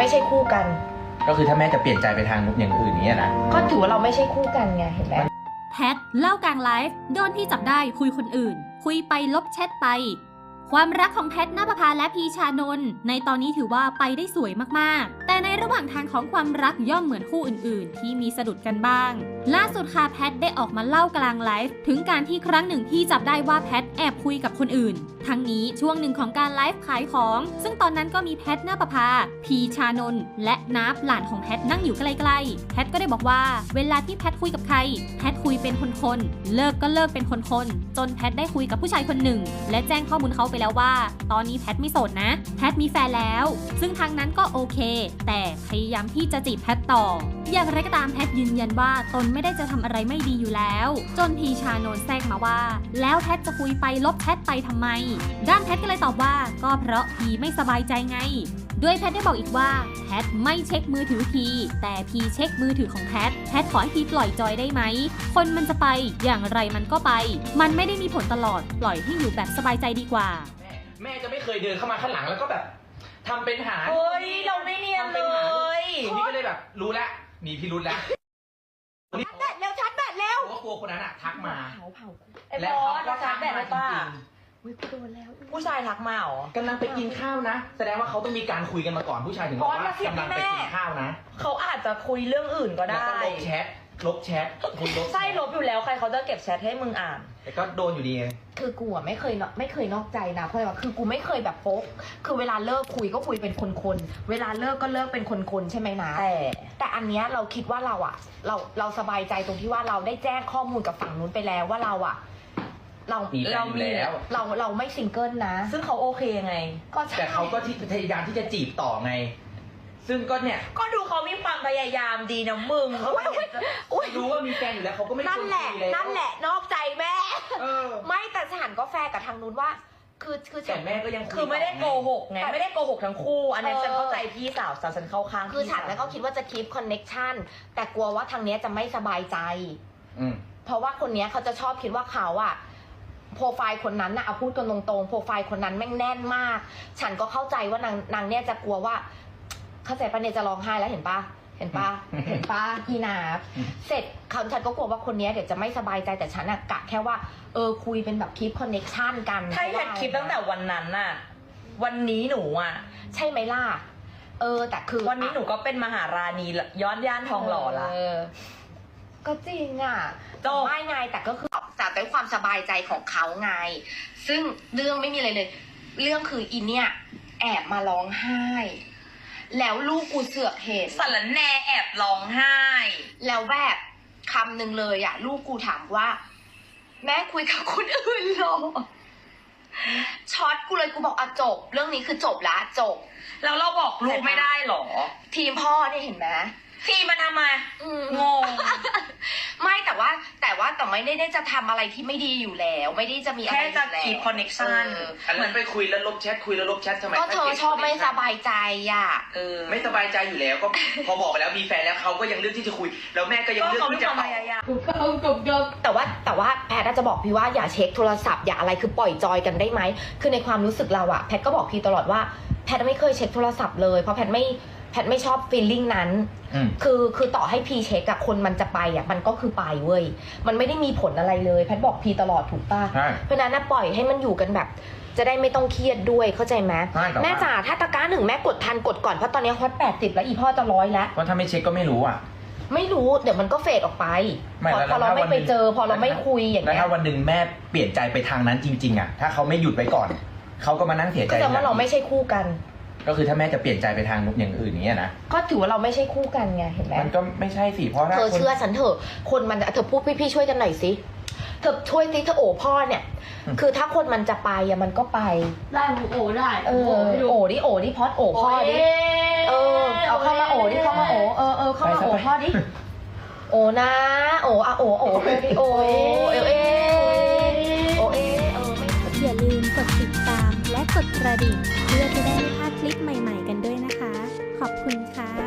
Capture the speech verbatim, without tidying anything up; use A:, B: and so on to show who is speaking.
A: ไม่ใช่คู่กัน
B: ก็คือถ้าแม่จะเปลี่ยนใจไปทางอย่างอื่นนี้นะ
A: ก็ถือว่าเราไม่ใช่คู่กันไงเห็นไหม
C: แพทเล่ากลางไลฟ์โดนที่จับได้คุยคนอื่นคุยไปลบแชทไปความรักของแพทณปภาและพีชานนท์ในตอนนี้ถือว่าไปได้สวยมากๆแต่ในระหว่างทางของความรักย่อมเหมือนคู่อื่นๆที่มีสะดุดกันบ้างล่าสุดค่ะแพทได้ออกมาเล่ากลางไลฟ์ถึงการที่ครั้งหนึ่งที่จับได้ว่าแพทแอบคุยกับคนอื่นทั้งนี้ช่วงหนึ่งของการไลฟ์ขายของซึ่งตอนนั้นก็มีแพทณปภาพีชานนท์และนับหลานของแพทนั่งอยู่ใกล้ๆแพทก็ได้บอกว่าเวลาที่แพทคุยกับใครแพทคุยเป็นคนๆเลิกก็เลิกเป็นคนๆจนแพทได้คุยกับผู้ชายคนหนึ่งและแจ้งข้อมูลเขาไปแล้วว่าตอนนี้แพทไม่โสดนะแพทมีแฟนแล้วซึ่งทางนั้นก็โอเคแต่พยายามที่จะจีบแพทต่ออย่างไรก็ตามแพทยืนยันว่าตนไม่ได้จะทำอะไรไม่ดีอยู่แล้วจนพีชานนท์แทรกมาว่าแล้วแพทจะคุยไปลบแพทไปทำไมด้านแพทก็เลยตอบว่าก็เพราะพีไม่สบายใจไงด้วยแพทได้บอกอีกว่าแพทไม่เช็คมือถือพีแต่พีเช็คมือถือของแพทแพทขอให้พีปล่อยจอยได้ไหมคนมันจะไปอย่างไรมันก็ไปมันไม่ได้มีผลตลอดปล่อยให้อยู่แบบสบายใจดีกว่า
B: แม่จะไม่เคยเดินเข้ามาข้างหลังแล้วก็แบบทำเป็นหา
A: เฮ้ยเราไม่เนียนเลย
B: นี่ก็เลยแบบรู้แล้วมีพิรุธแล้ว
A: ชาร์จแบตแล้วชาร์จแบตแล้ว
B: เพราะกลัวคนนั้นอะทักมา
A: เผาเผาแล้วเขาก็ชาร์จแบตแล้วป่ะวิโดนแล้วผู้ชายทักมาเหรอก
B: ำลังไปกินข้าวนะแสดงว่าเขาต้องมีการคุยกันมาก่อนผู้ชายถึงบอกว่ากำลังไปกินข้าวนะ
A: เขาอาจจะคุยเรื่องอื่นก็ได้
B: ลบแชทลบแชทคุยลบ
A: ใช่ลบอยู่แล้วใครเขาจะเก็บแชทให้มึงอ่าน
B: แต่ก็โดนอยู่ดี
A: คือกูอะไม่เคยไม่เคยนอกใจนะเพราะว่าคือกูไม่เคยแบบโป๊กคือเวลาเลิกคุยก็คุยเป็นคนๆเวลาเลิกก็เลิกเป็นคนๆใช่ไหมนะแต่แต่อันเนี้ยเราคิดว่าเราอะเราเราสบายใจตรงที่ว่าเราได้แจ้งข้อมูลกับฝั่งนู้นไปแล้วว่าเราอะเรา
B: เรามีแล้ว
A: เราเราไม่ซิงเกิลนะซึ่งเขาโอเคไง
B: ก็แต่เขาก็ที่พยายามที่จะจีบต่อไงซึ่งก็เนี่ย
A: ก็ดูเขามีความพยายามดีนะมึง
B: รู้ว่ามีแฟนอยู่แล้วเขาก็ไม่
A: นั่นแหละนั่นแหละนอกใจแม่ไม่แต่ฉันก็แฟร์กับทางนู้นว่าคือคือ
B: แต่แม่ก็ยัง
A: คือไม่ได้โกหกไงไม่ได้โกหกทั้งคู่อันนี้ฉันเข้าใจพี่สาวฉันเข้าข้างคือฉันแล้วก็คิดว่าจะคีปคอนเน็กชันแต่กลัวว่าทางนี้จะไม่สบายใจเพราะว่าคนนี้เขาจะชอบคิดว่าเขาอะโปรไฟล์คนนั้นนะเอาพูดกันตรงๆโปรไฟล์คนนั้นแม่งแน่นมากฉันก็เข้าใจว่านางนางเนี่ยจะกลัวว่าเข้าใจปะเนี่ยจะร้องไห้แล้วเห็นปะเห็นปะเห็นปะพี่นาเสร็จเขาฉันก็กลัวว่าคนนี้เดี๋ยวจะไม่สบายใจแต่ฉันอะกะแค่ว่าเออคุยเป็นแบบคลิปคอนเน็กชันกันใช่แค่คลิปตั้งแต่วันนั้นน่ะวันนี้หนูอะใช่ไหมล่ะเออแต่คือวันนี้หนูก็เป็นมหาราณีย้อนย่านทองหล่อละก็จริงอ่ะไม่ไงแต่ก็คือจากด้วยความสบายใจของเขาไงซึ่งเรื่องไม่มีอะไรเลยเรื่องคืออินเนี่ยแอบมาร้องไห้แล้วลูกกูเสือกเห็นสารแน่แอบร้องไห้แล้วแบบคำหนึ่งเลยอ่ะลูกกูถามว่าแม่คุยกับคนอื่นหรอช็อตกูเลยกูบอกอ่ะจบเรื่องนี้คือจบละจบแล้วเราบอกลูกไม่ได้หรอทีมพ่อเนี่ยเห็นไหมทีมันทำไมงงไม่แต่ว่าแต่ว่าแต่ไม่ได้ได้จะทำอะไรที่ไม่ดีอยู่แล้วไม่ได้จะมีอะไรแค่จะคีปคอนเน็กชัน
B: เหมือนไปคุยแล้วลบแชทคุยแล้วลบแชททำไม
A: ก็เธอชอบไม่สบายใจอ่ะเออ
B: ไม่สบายใจอยู่แล้วก็พอบอกไปแล้วมีแฟนแล้วเขาก็ยังเลือกที่จะคุยแล้วแม่ก็ยังเลือกที่จะ
A: ต่อแต่ว่าแต่ว่าแพทย์จะบอกพี่ว่าอย่าเช็คโทรศัพท์อย่าอะไรคือปล่อยจอยกันได้ไหมคือในความรู้สึกเราอะแพทย์ก็บอกพี่ตลอดว่าแพทย์ไม่เคยเช็คโทรศัพท์เลยเพราะแพทย์ไม่แพทไม่ชอบฟีลลิ่งนั้นคือคือต่อให้พีเช็คอะคนมันจะไปอะมันก็คือไปเว้ยมันไม่ได้มีผลอะไรเลยแพทบอกพีตลอดถูกป่ะเพราะนั้นนะปล่อยให้มันอยู่กันแบบจะได้ไม่ต้องเครียดด้วยเข้าใจไหมแม่จ๋าถ้าตะกร้าหนึ่งแม่กดทันกดก่อนเพราะตอนนี้ฮอตแปดสิบแล้วอีพ่อจะร้อยแล้ว
B: เพราะถ้าไม่เช็คก็ไม่รู้อะ
A: ไม่รู้เดี๋ยวมันก็เฟดออกไปพอเราไม่ไปเจอพอเราไม่คุยอย่างเงี้ย
B: แล้วถ้าวันหนึ่งแม่เปลี่ยนใจไปทางนั้นจริงๆอะถ้าเขาไม่หยุดไว้ก่อนเขาก็มานั่งเสียใจ
A: แต่ว่าเราไม่ใช่คู่กัน
B: ก็คือถ้าแม่จะเปลี่ยนใจไปทางอย่างอื่นนี้นะ
A: ก็ถือว่าเราไม่ใช่คู่กันไงเห็นไหม
B: มันก็ไม่ใช่สิเพราะ
A: เธอเชื่อฉันเถอะคนมันเธอพูดพี่ๆช่วยกันหน่อยสิเธอช่วยสิเธอโอ้พ่อเนี่ยคือถ้าคนมันจะไปอะมันก็ไป
D: ได้โอ้ได้
A: เออโอ้ดิโอ้ดิพอดโอ้พ่อดิเออเอาเข้ามาโอ้ดิเข้ามาโอ้เออเออเข้ามาโอ้พ่อดิโอ้นะโอ้อะโอ้โอ้โอ้เอเอโอเอเออ
C: อย่าลืมกดติดตามและกดกระดิ่งเพื่อจะได้ไม่พลาดคลิปใหม่ๆกันด้วยนะคะขอบคุณค่ะ